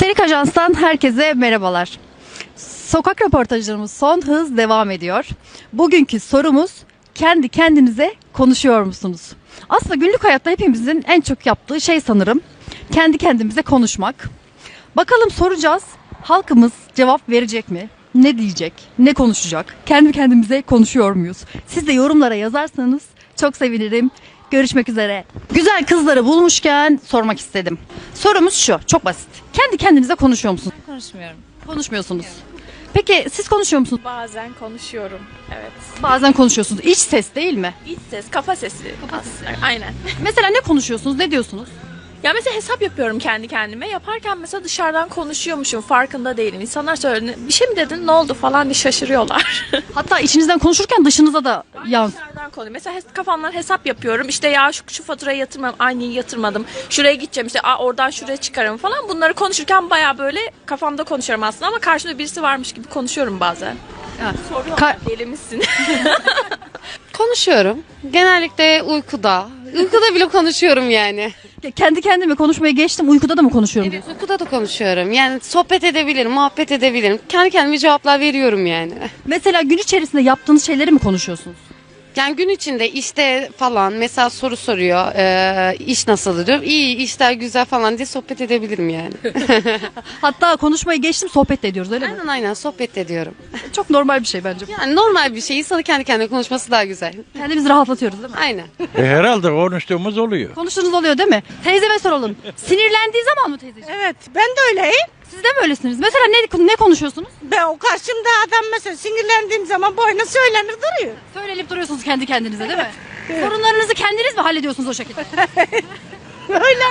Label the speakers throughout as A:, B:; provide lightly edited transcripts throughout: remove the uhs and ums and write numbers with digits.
A: Çelik Ajans'tan herkese merhabalar. Sokak röportajlarımız son hız devam ediyor. Bugünkü sorumuz, kendi kendinize konuşuyor musunuz? Aslında günlük hayatta hepimizin en çok yaptığı şey sanırım kendi kendimize konuşmak. Bakalım soracağız, halkımız cevap verecek mi? Ne diyecek? Ne konuşacak? Kendi kendimize konuşuyor muyuz? Siz de yorumlara yazarsanız çok sevinirim. Görüşmek üzere. Güzel kızları bulmuşken sormak istedim. Sorumuz şu, çok basit. Kendi kendinize konuşuyor musunuz?
B: Konuşmuyorum.
A: Konuşmuyorsunuz. Peki siz konuşuyor musunuz?
B: Bazen konuşuyorum. Evet.
A: Bazen konuşuyorsunuz. İç ses değil mi?
B: İç ses, kafa sesi. Aslında. Aynen.
A: Mesela ne konuşuyorsunuz? Ne diyorsunuz?
B: Ya mesela hesap yapıyorum kendi kendime. Yaparken mesela dışarıdan konuşuyormuşum. Farkında değilim. İnsanlar söylüyor. Bir şey mi dedin? Ne oldu falan diye şaşırıyorlar.
A: Hatta içinizden konuşurken dışınıza da yansıyor.
B: Dışarıdan konuşuyorum. Mesela kafamdan hesap yapıyorum. İşte ya şu faturayı yatırmadım. Aynıyı yatırmadım. Şuraya gideceğim. İşte oradan şuraya çıkarım falan. Bunları konuşurken baya böyle kafamda konuşuyorum aslında. Ama karşımda birisi varmış gibi konuşuyorum bazen. Soruyorlar deli misin?
C: Konuşuyorum. Genellikle uykuda. Uykuda bile konuşuyorum yani.
A: Kendi kendime konuşmayı geçtim. Uykuda da mı konuşuyorum
C: Evet,
A: diyorsun?
C: uykuda da konuşuyorum. Yani sohbet edebilirim, muhabbet edebilirim. Kendi kendime cevaplar veriyorum yani.
A: Mesela gün içerisinde yaptığınız şeyleri mi konuşuyorsunuz?
C: Yani gün içinde işte falan mesela soru soruyor. İş nasıl diyor. İyi, işler güzel falan diye sohbet edebilirim yani.
A: Hatta konuşmayı geçtim, sohbet de ediyoruz öyle mi?
C: Aynen sohbet ediyorum.
A: Çok normal bir şey bence.
C: Yani normal bir şey. İnsanı kendi kendine konuşması daha güzel.
A: Kendimizi rahatlatıyoruz değil mi?
C: Aynen.
D: Herhalde konuştuğumuz oluyor.
A: Konuştuğunuz oluyor değil mi? Teyzeme soralım. Sinirlendiği zaman mı teyzeciğim?
E: Evet, ben de öyleyim.
A: Siz de mi öylesiniz? Mesela ne konuşuyorsunuz?
E: Ben o karşımda adam mesela sinirlendiğim zaman boyuna söylenir duruyor.
A: Söylenip duruyorsunuz kendi kendinize değil mi? Sorunlarınızı kendiniz mi hallediyorsunuz o şekilde?
E: Öyle.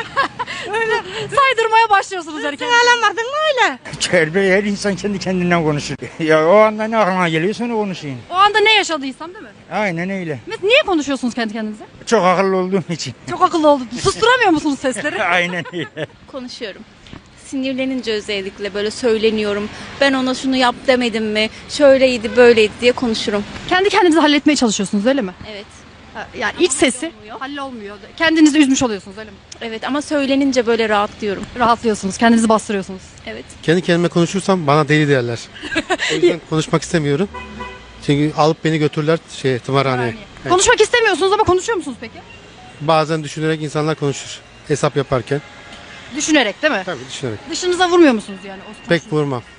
A: Saydırmaya başlıyorsunuz herkese.
E: Alamadın mı öyle?
F: Her insan kendi kendinden konuşur. Ya o anda ne aklına geliyorsa onu konuşayım.
A: O anda ne yaşadıysam değil mi?
F: Aynen öyle.
A: Mesela niye konuşuyorsunuz kendi kendinize?
F: Çok akıllı olduğum için.
A: Çok akıllı oldum. Susturamıyor musunuz sesleri?
F: Aynen öyle.
G: Konuşuyorum. Sinirlenince özellikle böyle söyleniyorum. Ben ona şunu yap demedim mi? Şöyleydi böyleydi diye konuşurum.
A: Kendi kendinizi halletmeye çalışıyorsunuz öyle mi?
G: Evet.
A: Yani iç sesi hallolmuyor. Kendinizi üzmüş oluyorsunuz öyle mi?
G: Evet ama söylenince böyle rahatlıyorum.
A: Rahatlıyorsunuz, kendinizi bastırıyorsunuz.
G: Evet.
H: Kendi kendime konuşursam bana deli derler. O yüzden konuşmak istemiyorum. Çünkü alıp beni götürürler tımarhaneye. Evet.
A: Konuşmak istemiyorsunuz ama konuşuyor musunuz peki?
H: Bazen düşünerek insanlar konuşur. Hesap yaparken.
A: Düşünerek değil mi?
H: Tabii düşünerek.
A: Dışınıza vurmuyor musunuz yani?
H: Pek vurmam.